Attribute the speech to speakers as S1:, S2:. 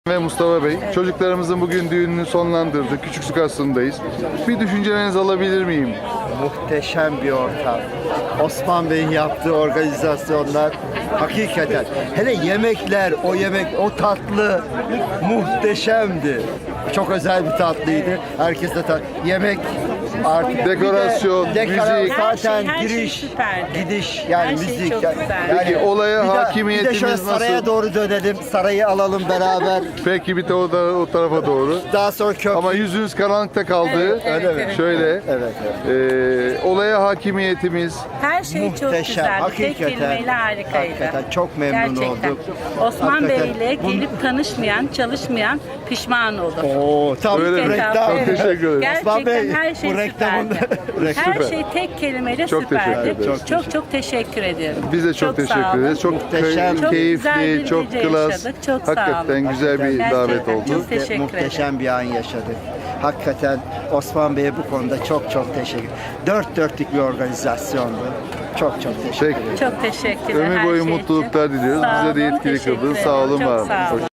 S1: Ve Mustafa Bey, çocuklarımızın bugün düğününü sonlandırdık. Küçük Aslı'ndayız. Bir düşüncelerinizi alabilir miyim?
S2: Muhteşem bir ortam. Osman Bey'in yaptığı organizasyonlar hakikaten. Hele yemekler, o tatlı muhteşemdi. Çok özel bir tatlıydı. Herkes de yemek artık
S1: Dekorasyon, müzik.
S2: zaten
S3: her şey
S2: giriş,
S3: süperdi.
S2: gidiş yani
S3: Her şey
S2: müzik.
S3: çok
S2: Yani,
S3: güzeldi.
S1: Peki, olaya
S2: bir de
S1: hakimiyetimiz
S2: şöyle
S1: nasıl?
S2: saraya doğru dönelim. Sarayı alalım beraber.
S1: Peki bir de o tarafa doğru.
S2: Daha sonra köprü.
S1: Ama yüzünüz karanlıkta kaldı.
S2: Öyle mi?
S1: Şöyle.
S2: Evet.
S1: Olaya hakimiyetimiz.
S3: Her şey çok
S2: Muhteşem,
S3: güzeldi. Tek
S2: hakikaten,
S3: kelimeyle harikaydı.
S2: hakikaten çok memnun
S3: Gerçekten.
S2: olduk.
S3: Osman
S2: Hakikaten.
S3: Bey ile gelip tanışmayan, çalışmayan pişman olur.
S2: Oo, tam
S1: Öyle mi?
S2: reklam.
S1: Çok teşekkür ederim.
S3: Gerçekten
S2: Osman Bey,
S3: her şey
S2: bu reklamın
S3: süperdi. Her
S1: Süper.
S3: şey tek kelimeyle
S1: Çok teşekkür
S3: süperdi.
S1: ederiz.
S3: Çok teşekkür ediyorum.
S1: Biz de çok
S3: sağ
S1: teşekkür
S3: olun.
S1: ederiz. Çok
S2: Muhteşem.
S3: Çok güzel
S1: keyifli,
S3: bir
S1: çok
S3: gece
S1: klas.
S3: yaşadık. Çok sağ olun.
S1: Hakikaten güzel bir
S3: Gerçekten
S1: davet oldu.
S3: çok teşekkür
S2: Muhteşem bir an yaşadık. Hakikaten Osman Bey'e bu konuda çok teşekkür. Dört dörtlük bir organizasyondu. Çok teşekkür
S1: Peki.
S2: ederim.
S3: Çok teşekkürler.
S1: Ömür
S3: her
S1: boyu
S3: şey için.
S1: mutluluklar diliyoruz.
S3: Sağ
S1: Bize de
S3: olun,
S1: yetkili
S3: teşekkür
S1: kıldınız. Sağ
S3: ederim.
S1: olun,
S3: Çok
S1: var olun.
S3: sağ olun.